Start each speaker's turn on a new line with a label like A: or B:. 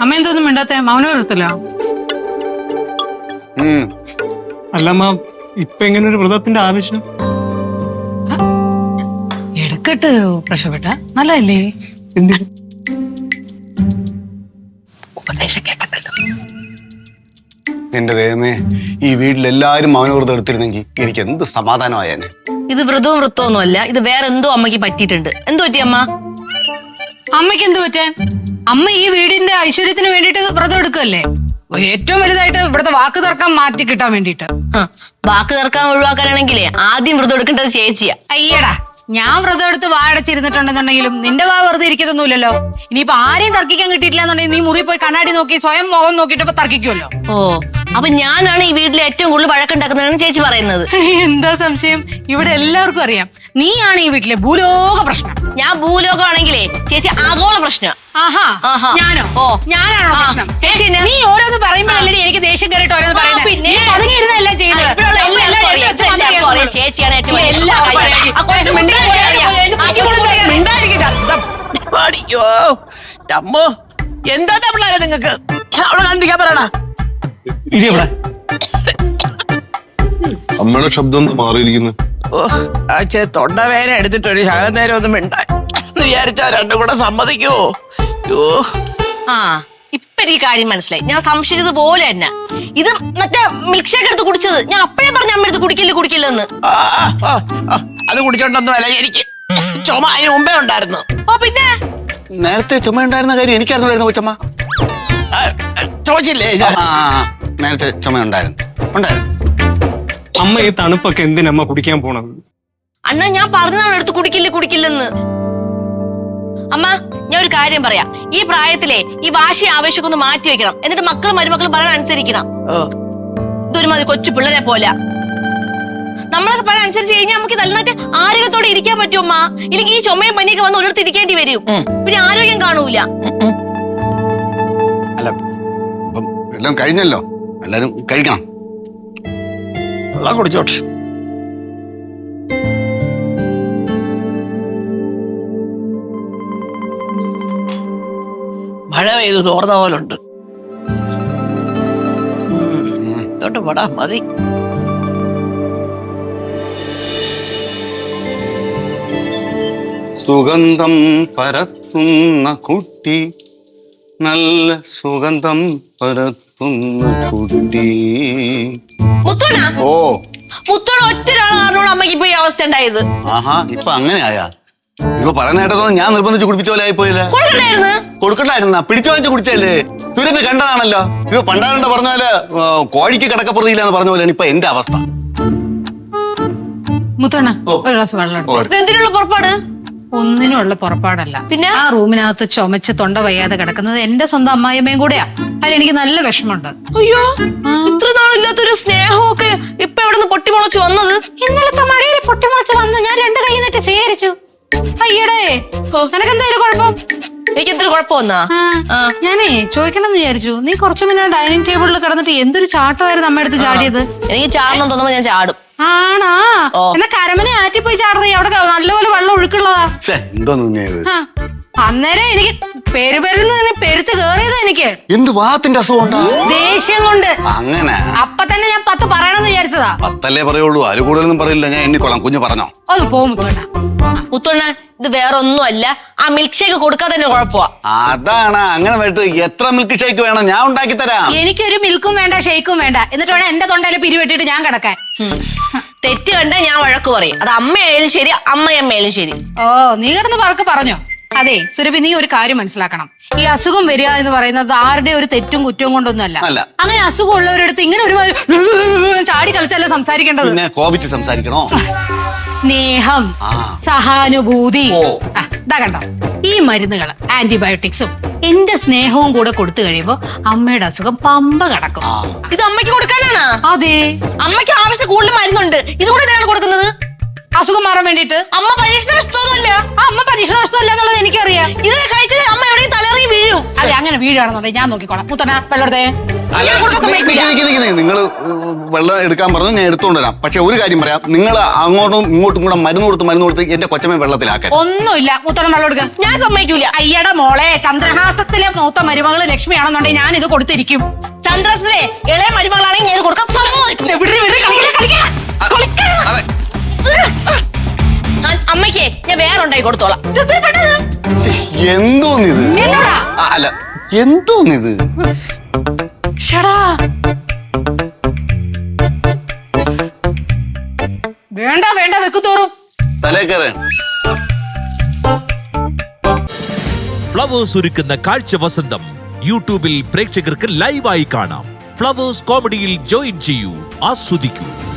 A: അമ്മ എന്തൊന്നും മിണ്ടാത്ത മൗനം വരത്തില്ല.
B: അല്ലമ്മ ഇപ്പൊ എങ്ങനെ ഒരു വ്രതത്തിന്റെ ആവശ്യം?
A: എടുക്കട്ട് പ്രശ്നപ്പെട്ട നല്ലതല്ലേ?
C: ഉപദേശം കേൾക്കണ്ടല്ലോ.
D: എന്റെ ദൈവമേ, ഈ വീട്ടിലെല്ലാരും മൗനവ്രതം എടുത്തിരുന്നെങ്കിൽ എനിക്ക് എന്ത് സമാധാനമായേനെ.
C: ഇത് വ്രതവും വൃത്തമൊന്നും അല്ല, ഇത് വേറെ എന്തോ അമ്മക്ക് പറ്റിയിട്ടുണ്ട്. എന്തു പറ്റി അമ്മ?
A: അമ്മയ്ക്ക് എന്ത് പറ്റാൻ? അമ്മ ഈ വീടിന്റെ ഐശ്വര്യത്തിന് വേണ്ടിട്ട് വ്രതം എടുക്കല്ലേ? ഏറ്റവും വലുതായിട്ട് ഇവിടുത്തെ വാക്ക് തർക്കം മാറ്റി കിട്ടാൻ വേണ്ടിട്ട്.
C: വാക്ക് തർക്കം ഒഴിവാക്കാനാണെങ്കിലേ ആദ്യം വ്രതം എടുക്കേണ്ടത് ചേച്ചിയാ.
A: അയ്യടാ, ഞാൻ വ്രതം എടുത്ത് വാടച്ചിരുന്നിട്ടുണ്ടെന്നുണ്ടെങ്കിലും നിന്റെ വാ വെറുതെ ഇരിക്കത്തൊന്നുമില്ലല്ലോ. ഇനിയിപ്പൊ ആരെയും തർക്കിക്കാൻ കിട്ടിയിട്ടില്ല എന്നുണ്ടെങ്കിൽ നീ മുറി പോയി കണ്ണാടി നോക്കി സ്വയം മുഖം നോക്കിട്ട് ഇപ്പൊ തർക്കിക്കുമല്ലോ.
C: ഓ, അപ്പൊ ഞാനാണ് ഈ വീട്ടിലെ ഏറ്റവും കൂടുതൽ വഴക്കുണ്ടാക്കുന്നതെന്ന് ചേച്ചി പറയുന്നത്.
A: എന്താ സംശയം? ഇവിടെ എല്ലാവർക്കും അറിയാം നീയാണ് ഈ വീട്ടിലെ ഭൂലോക പ്രശ്നം.
C: ഞാൻ ഭൂലോകമാണെങ്കിലേ ചേച്ചി ആഗോള പ്രശ്നം.
A: ആഹാ, ഞാനോ?
C: ഓ,
A: ഞാനാണോ പ്രശ്നം?
C: ചേച്ചി
A: നീ ഓരോന്ന് പറയുമ്പോഴല്ലേ എനിക്ക് ദേഷ്യം കയറിയിട്ട് ഓരോന്ന് പറയുന്നത്.
C: പിന്നെ
A: പതുങ്ങിയിരുന്നല്ല ചെയ്യുന്നത്.
C: ചേച്ചിയാണ് ഏറ്റവും
E: അയ്യോ അമ്മോ, എന്താ പിള്ളേരെ നിങ്ങക്ക്? അവിടെ കണ്ടിരിക്കാൻ പറയണ.
D: അമ്മയുടെ ശബ്ദം ഒന്ന് മാറിയിരിക്കുന്നു.
E: ഓ, ആ തൊണ്ടവേന എടുത്തിട്ടൊരു ശകലം നേരം ഒന്നും മിണ്ടാൻ വിചാരിച്ചാ രണ്ടും കൂടെ സമ്മതിക്കുവോ? യോ,
C: ആ, ഇപ്പൊ എനിക്ക് കാര്യം മനസ്സിലായി. ഞാൻ സംശയിച്ചത് പോലെ തന്നെ ഇത് മറ്റേ മിൽക്ക് ഷേക്ക് എടുത്ത് കുടിച്ചത്. ഞാൻ അപ്പഴേ പറഞ്ഞ അമ്മ എടുത്ത് കുടിക്കില്ലെന്ന്.
E: അത് കുടിച്ചോണ്ടൊന്നും അല്ല, എനിക്ക് ചുമ അതിന് മുമ്പേ ഉണ്ടായിരുന്നു.
C: ഓ, പിന്നെ
D: നേരത്തെ ചുമ ഉണ്ടായിരുന്ന കാര്യം എനിക്കറിഞ്ഞായിരുന്നു കൊച്ചമ്മ.
E: ചോദിച്ചില്ലേ?
D: നേരത്തെ ചുമ ഉണ്ടായിരുന്നു.
B: അമ്മ ഈ തണുപ്പൊക്കെ എന്തിനമ്മ കുടിക്കാൻ പോണത്?
C: അണ്ണാ, ഞാൻ പറഞ്ഞതാണ് എടുത്ത് കുടിക്കില്ലെന്ന്. അമ്മ, ഞാൻ ഒരു കാര്യം പറയാം. ഈ പ്രായത്തിലെ ഈ വാശി ആവേശമൊക്കെ ഒന്ന് മാറ്റി വെക്കണം. എന്നിട്ട് മക്കളും മരുമക്കളും പറയാൻ അനുസരിക്കണം. ഇതൊരുമാതിരി കൊച്ചു പിള്ളേരെ പോലെ നമ്മളൊക്കെ പറയാൻ അനുസരിച്ച് കഴിഞ്ഞാൽ നമുക്ക് നന്നായിട്ട് ആരോഗ്യത്തോടെ ഇരിക്കാൻ പറ്റും അമ്മ. ഇല്ലെങ്കിൽ ഈ ചുമയും പനിയൊക്കെ വന്ന് ഒരിടത്ത് ഇരിക്കേണ്ടി വരും. പിന്നെ ആരോഗ്യം കാണൂല.
D: അല്ല, ഇപ്പം എല്ലാം കഴിഞ്ഞല്ലോ, എല്ലാരും കഴിക്കണം.
E: വെള്ളം കുടിച്ചോട്ടെ. മഴ പെയ്ത് തോർന്ന പോലുണ്ട്. ഇതോട്ട് പടാ മതി.
D: സുഗന്ധം പരത്തുന്ന കുട്ടി, നല്ല സുഗന്ധം പരത്തുന്ന കുട്ടി.
C: മുത്തോണ ഒറ്റ ഒരാളാണോട് അമ്മയ്ക്ക് ഇപ്പൊ ഈ അവസ്ഥ ഉണ്ടായത്?
D: ആഹാ, ഇപ്പൊ അങ്ങനെ ആയാ? ഇപ്പൊ പറയുന്ന കേട്ടതൊന്നും ഞാൻ നിർബന്ധിച്ച് കുടിപ്പിച്ച പോലെ ആയിപ്പോയില്ല. കൊടുക്കണ്ടായിരുന്ന പിടിച്ചു വാങ്ങിച്ച് കുടിച്ചല്ലേ? ഇവരൊക്കെ കണ്ടതാണല്ലോ. ഇപ്പൊ പണ്ടാരണ്ട പറഞ്ഞ പോലെ കോഴിക്ക് കിടക്കപ്പുറത്തില്ല എന്ന് പറഞ്ഞ പോലെയാണ് ഇപ്പൊ എന്റെ അവസ്ഥ.
A: മുത്തണ്ണ, ഒരു ഗ്ലാസ് വെള്ളം.
C: എന്തിനുള്ള പുറപ്പാട്?
A: ഒന്നിനുള്ള പുറപ്പാടല്ല.
C: പിന്നെ
A: ആ റൂമിനകത്ത് ചുമച്ച് തൊണ്ട വയ്യാതെ കിടക്കുന്നത് എന്റെ സ്വന്തം അമ്മായിയമ്മയും കൂടെയാ. അതിലെനിക്ക് നല്ല വിഷമമുണ്ട്.
C: അയ്യോ, ഇത്ര നാളില്ലാത്തൊരു സ്നേഹമൊക്കെ ഇപ്പൊ എവിടെ നിന്ന് പൊട്ടിമുളച്ച് വന്നത്?
A: ഇന്നലത്തെ മഴയിൽ പൊട്ടിമുളച്ച് വന്നു. ഞാൻ രണ്ട് കൈ നീട്ടി സ്വീകരിച്ചു. അയ്യടേ, നിനക്കെന്തായാലും കുഴപ്പം?
C: എനിക്ക് എന്തൊരു കുഴപ്പമൊന്നാ?
A: ഞാനേ ചോദിക്കണമെന്ന് വിചാരിച്ചു. നീ കുറച്ചു മുന്നേ ഡൈനിങ് ടേബിളിൽ കിടന്നിട്ട് എന്തൊരു ചാട്ടമായിരുന്നു അമ്മ എടുത്ത് ചാടിയത്.
C: എനിക്ക് ചാടണം തോന്നുമ്പോ ഞാൻ ചാടും.
A: ആണാ? എന്നാ കരമനെ ആറ്റിപ്പോയി ചാടറി. അവിടെ നല്ലപോലെ വെള്ളം ഒഴുക്കുള്ളതാ. അന്നേരം എനിക്ക് പെരുത്ത് കേറിയത് എനിക്ക്
D: എന്ത് വാത്തിന്റെ അസുഖം?
A: ദേഷ്യം കൊണ്ട്.
D: അങ്ങനെ
A: അപ്പൊ തന്നെ ഞാൻ 10 പറയണമെന്ന് വിചാരിച്ചതാ.
D: 10 പറയുള്ളൂ, അതിൽ കൂടുതലൊന്നും പറയില്ല. ഞാൻ എണ്ണിക്കൊള്ളാം. കുഞ്ഞു പറഞ്ഞോ?
A: അത് പോകും
C: മുത്തോണ്ണ. ഇത് വേറെ ഒന്നുമല്ല, ആ മിൽക്ക് ഷേക്ക് കൊടുക്കാതെ തന്നെ കുഴപ്പമാ.
D: അതാണ്. അങ്ങനെ വരട്ടെ. എത്ര മിൽക്ക് ഷേക്ക് വേണം? ഞാൻ ഉണ്ടാക്കി തരാം.
A: എനിക്കൊരു മിൽക്കും വേണ്ട, ഷേക്കും വേണ്ട. എന്നിട്ട് വേണം എന്റെ തൊണ്ടയിൽ പിരിവെട്ടിട്ട് ഞാൻ കിടക്കാൻ.
C: തെറ്റ് കണ്ട ഞാൻ വഴക്ക് പറയും. അത് അമ്മയായാലും ശരി, അമ്മയമ്മയായാലും ശരി.
A: ഓ, നീ കിടന്ന് പറക്ക് പറഞ്ഞോ. അതെ സുരഭി, നീ ഒരു കാര്യം മനസ്സിലാക്കണം. ഈ അസുഖം വരിക എന്ന് പറയുന്നത് ആരുടെ ഒരു തെറ്റും കുറ്റവും കൊണ്ടൊന്നും അല്ല. അങ്ങനെ അസുഖം ഉള്ളവരടുത്ത് ഇങ്ങനെ ഒരു ചാടി കളിച്ചല്ല സംസാരിക്കേണ്ടത്.
D: കോപിച്ച് സംസാരിക്കണോ?
A: സ്നേഹം, സഹാനുഭൂതി. ഇതാ കണ്ടോ, ഈ മരുന്നുകൾ ആന്റിബയോട്ടിക്സും എന്റെ സ്നേഹവും കൂടെ കൊടുത്തു കഴിയുമ്പോ അമ്മയുടെ അസുഖം പമ്പ കടക്കും.
C: ഇത് അമ്മയ്ക്ക് കൊടുക്കാനാണ്?
A: അതെ,
C: അമ്മയ്ക്ക് ആവശ്യം കൂടുതൽ മരുന്നുണ്ട്. ഇതുകൂടെ എന്തിനാണ് കൊടുക്കുന്നത്?
A: അസുഖം മാറാൻ വേണ്ടിട്ട്.
C: അമ്മ പരീക്ഷണ വശത്തൊന്നുമല്ല.
A: അമ്മ പരീക്ഷണ നഷ്ടമല്ല എന്നുള്ളത് എനിക്കറിയാം.
C: ഇത് കഴിച്ചത് അമ്മ എവിടെയും തലറി വീഴും.
A: അതെ, അങ്ങനെ വീഴാണെന്നുണ്ടെങ്കിൽ ഞാൻ നോക്കിക്കോളാം. മുത്തണ വെള്ളത്തെ
D: നിങ്ങൾ വെള്ളം എടുക്കാൻ പറഞ്ഞു, ഞാൻ എടുത്തുകൊണ്ട് വരാം. പക്ഷെ ഒരു കാര്യം പറയാം, നിങ്ങൾ അങ്ങോട്ടും ഇങ്ങോട്ടും കൂടെ മരുന്ന് കൊടുത്ത് എന്റെ കൊച്ചമ്മ വെള്ളത്തിലാക്കാൻ
A: ഒന്നുമില്ല. മുത്തണ വെള്ളം എടുക്കുക.
C: ഞാൻ സമ്മതിക്കൂല.
A: അയ്യടെ മോളെ, ചന്ദ്രഹാസത്തിലെ മൂത്ത മരുമകള് ലക്ഷ്മിയാണെന്നുണ്ടെങ്കിൽ ഞാൻ ഇത് കൊടുത്തിരിക്കും.
C: ചന്ദ്രസിലെ ഇളയ മരുമകളാണെങ്കിൽ ഞാൻ ഇത് കൊടുക്കാൻ സമ്മതിക്കില്ല. അമ്മയ്ക്ക് ഞാൻ വേറെ ഉണ്ടായി കൊടുത്തോളാം.
D: എന്തോന്നിത്? അല്ല, എന്തോന്നിത്?
A: വേണ്ട വേണ്ട, വെക്കുതോറും
D: തലേക്കറ.
F: ഫ്ലവേഴ്സ് ഒരുക്കുന്ന കാഴ്ച വസന്തം യൂട്യൂബിൽ പ്രേക്ഷകർക്ക് ലൈവായി കാണാം. ഫ്ലവേഴ്സ് കോമഡിയിൽ ജോയിൻ ചെയ്യൂ, ആസ്വദിക്കൂ.